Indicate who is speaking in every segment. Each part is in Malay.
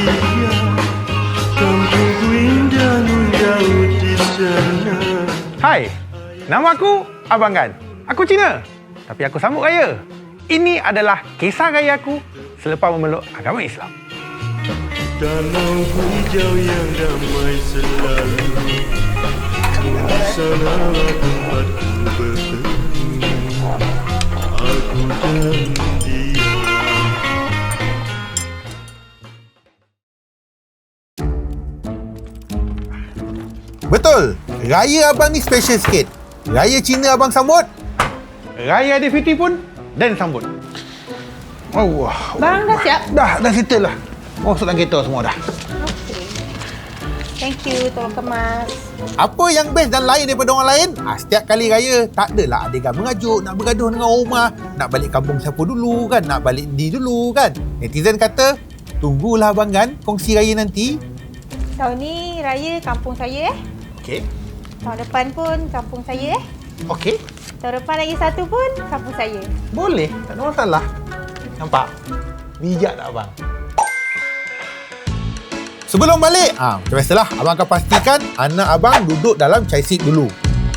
Speaker 1: Hai, nama aku Abang Gan. Aku Cina, tapi aku sambut raya. Ini adalah kisah raya aku selepas memeluk agama Islam.
Speaker 2: Danau hijau yang damai selalu di sana tempatku bertemu. Aku dan dia.
Speaker 3: Betul, raya abang ni special sikit. Raya Cina abang sambut,
Speaker 1: Raya Aidilfitri pun dan sambut. Allah.
Speaker 4: Bang dah siap?
Speaker 1: Dah settle lah. Masuk dalam kereta semua dah.
Speaker 4: Okey. Thank you, tolong kemas.
Speaker 3: apa yang best dan lain daripada orang lain? Setiap kali raya, tak adalah adegan mengajuk, nak bergaduh dengan orang rumah, nak balik kampung siapa dulu kan, nak balik ni dulu kan. Netizen kata, tunggulah Abang Gan kongsi raya nanti.
Speaker 4: Tahun ni raya kampung saya
Speaker 1: Okey.
Speaker 4: Tahun depan pun kampung saya
Speaker 1: Okey.
Speaker 4: Tahun depan lagi satu pun kampung saya.
Speaker 1: Boleh, tak ada masalah. Nampak? Bijak tak abang?
Speaker 3: Sebelum balik, macam biasalah, abang akan pastikan anak abang duduk dalam chai seat dulu.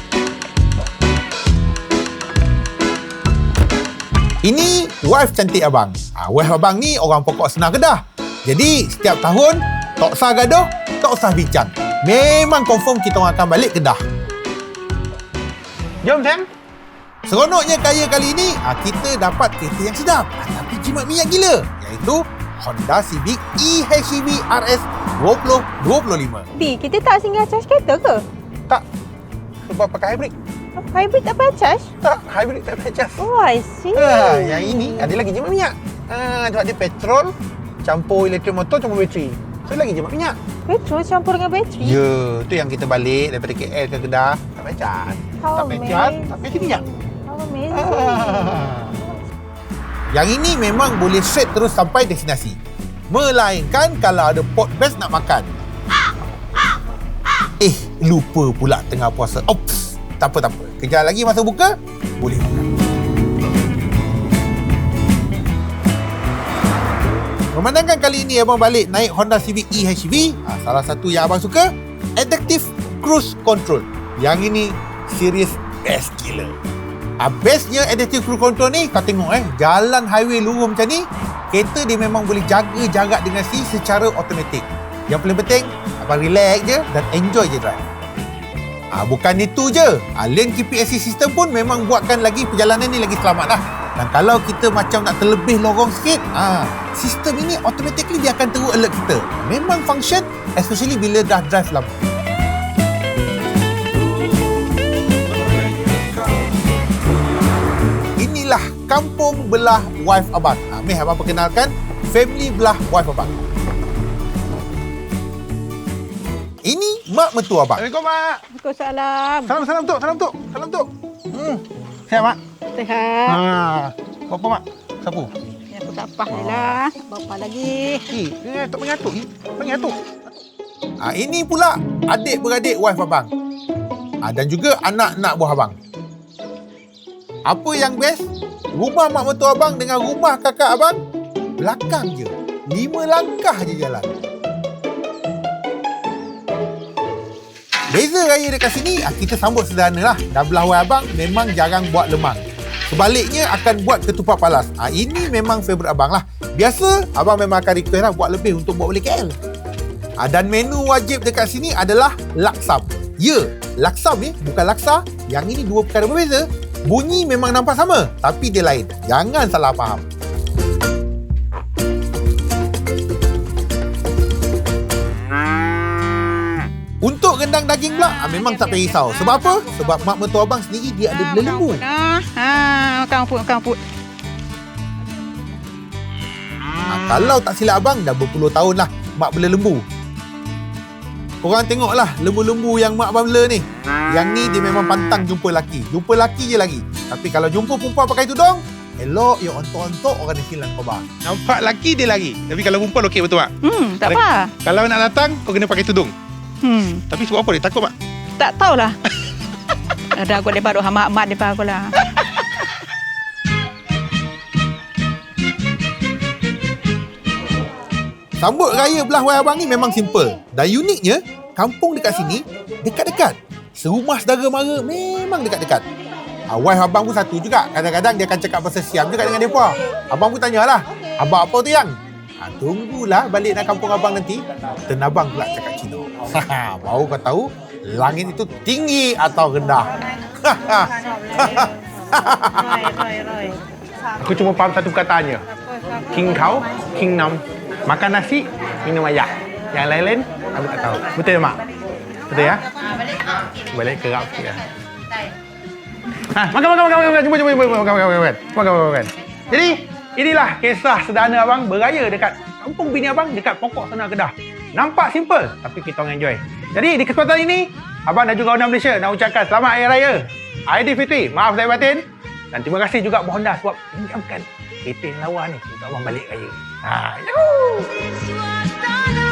Speaker 3: Ini wife cantik abang. Wife abang ni orang pokok Senar Kedah. Jadi, setiap tahun, tak usah gaduh, tak usah bincang. Memang confirm kita orang akan balik Kedah.
Speaker 1: Jom, Sam.
Speaker 3: Seronoknya kaya kali ini, kita dapat kereta yang sedap tapi jimat minyak gila, iaitu Honda Civic eHEV RS 2025.
Speaker 4: B, kita tak singgah charge kereta ke?
Speaker 1: Tak. Sebab pakai hybrid.
Speaker 4: Hybrid tak payah charge?
Speaker 1: Tak, hybrid tak payah cas.
Speaker 4: Oh, I see.
Speaker 1: Yang ini ada lagi jimat minyak. Sebab dia petrol, campur elektrik motor, campur bateri. So, lagi jimat minyak.
Speaker 4: Petrol campur dengan bateri?
Speaker 1: Ya, tu yang kita balik daripada KL ke Kedah. Tak payah cas. Tak payah cas, tak payah minyak.
Speaker 4: How amazing.
Speaker 3: Yang ini memang boleh straight terus sampai destinasi. Melainkan kalau ada pot best nak makan. Lupa pula tengah puasa. Ops, tak apa. Kejap lagi masa buka, boleh makan. Memandangkan kali ini abang balik naik Honda Civic eHEV, salah satu yang abang suka, Adaptive Cruise Control. Yang ini serius best gila. Bestnya Adaptive Cruise Control ni, kau tengok jalan highway lurus macam ni, kereta dia memang boleh jaga jarak dengan si secara automatik. Yang paling penting, abang relax je dan enjoy je drive. Bukan itu je, lane keeping assist system pun memang buatkan lagi perjalanan ni lagi selamat lah. Dan kalau kita macam nak terlebih lorong sikit, sistem ini automatically dia akan terus alert kita. Memang function, especially bila dah drive lama. Inilah kampung belah wife abang. Meh abang perkenalkan family belah wife abang. Ini mak mertua abang.
Speaker 1: Assalamualaikum, Mak.
Speaker 4: Waalaikumsalam.
Speaker 1: Salam, Tok. Sihat, Mak?
Speaker 4: Sehat.
Speaker 1: Berapa, Mak? Sapu?
Speaker 4: Ya, aku tak apa lah. Bapa lagi.
Speaker 1: Tak mengatuk. Mengatuk.
Speaker 3: Ini pula adik-beradik wife abang. Dan juga anak-anak buah abang. Apa yang best? Rumah mak mertua abang dengan rumah kakak abang belakang je. 5 langkah je jalan. Beza raya dekat sini, kita sambut sederhana lah. Dan belah wife abang memang jarang buat lemang. Sebaliknya akan buat ketupat palas. Ini memang favourite abang lah. Biasa, abang memang akan request lah buat lebih untuk bawa balik KL. Dan menu wajib dekat sini adalah laksam. Ya, laksam ni bukan laksa. Yang ini dua perkara berbeza. Bunyi memang nampak sama, tapi dia lain. Jangan salah faham. Untuk rendang daging pula, memang tak payah risau. Sebab apa? Sebab mak mertua abang sendiri dia ada bela lembu.
Speaker 4: Makan put.
Speaker 3: Kalau tak silap abang, dah berpuluh tahun lah mak bela lembu. Korang tengoklah lembu-lembu yang mak abang bela ni. Yang ni dia memang pantang jumpa lelaki. Jumpa lelaki je lagi. Tapi kalau jumpa perempuan pakai tudung, elok ya ontok-ontok orang ni hilang khabar.
Speaker 1: Nampak lelaki dia lari. Tapi kalau perempuan okey betul, Mak?
Speaker 4: Tak apa.
Speaker 1: Kalau nak datang, kau kena pakai tudung. Tapi sebab apa dia takut, Mak?
Speaker 4: Tak tahulah. Ada aku lepas doa mak depan aku lah.
Speaker 3: Sambut raya belah wai abang ni memang simple. Dan uniknya, kampung dekat sini dekat-dekat. Serumah saudara mara memang dekat-dekat. Wife abang pun satu juga. Kadang-kadang dia akan cakap pasal Siam juga dengan mereka. Abang pun tanyalah, abang apa tu yang? Tunggulah balik nak kampung abang nanti. Dan abang pula cakap Cina. Baru kau tahu langit itu tinggi atau rendah.
Speaker 1: Aku cuma faham satu perkataannya. King kau, king nam. Makan nasi, minum air. Yang lain-lain, aku tak tahu. Betul tak, Mak? Betul ya? Balik kerap sikit ya. Makan. Jumpa. Jadi, inilah kisah sederhana abang beraya dekat kampung bini abang dekat pokok sana Kedah. Nampak simple, tapi kita orang enjoy. Jadi, di kesempatan ini, abang dan juga orang Malaysia nak ucapkan selamat Hari Raya Aidilfitri. Maaf saya batin. Dan terima kasih juga Honda sebab pinjamkan kereta lawa ni untuk abang balik raya. Yuhuu!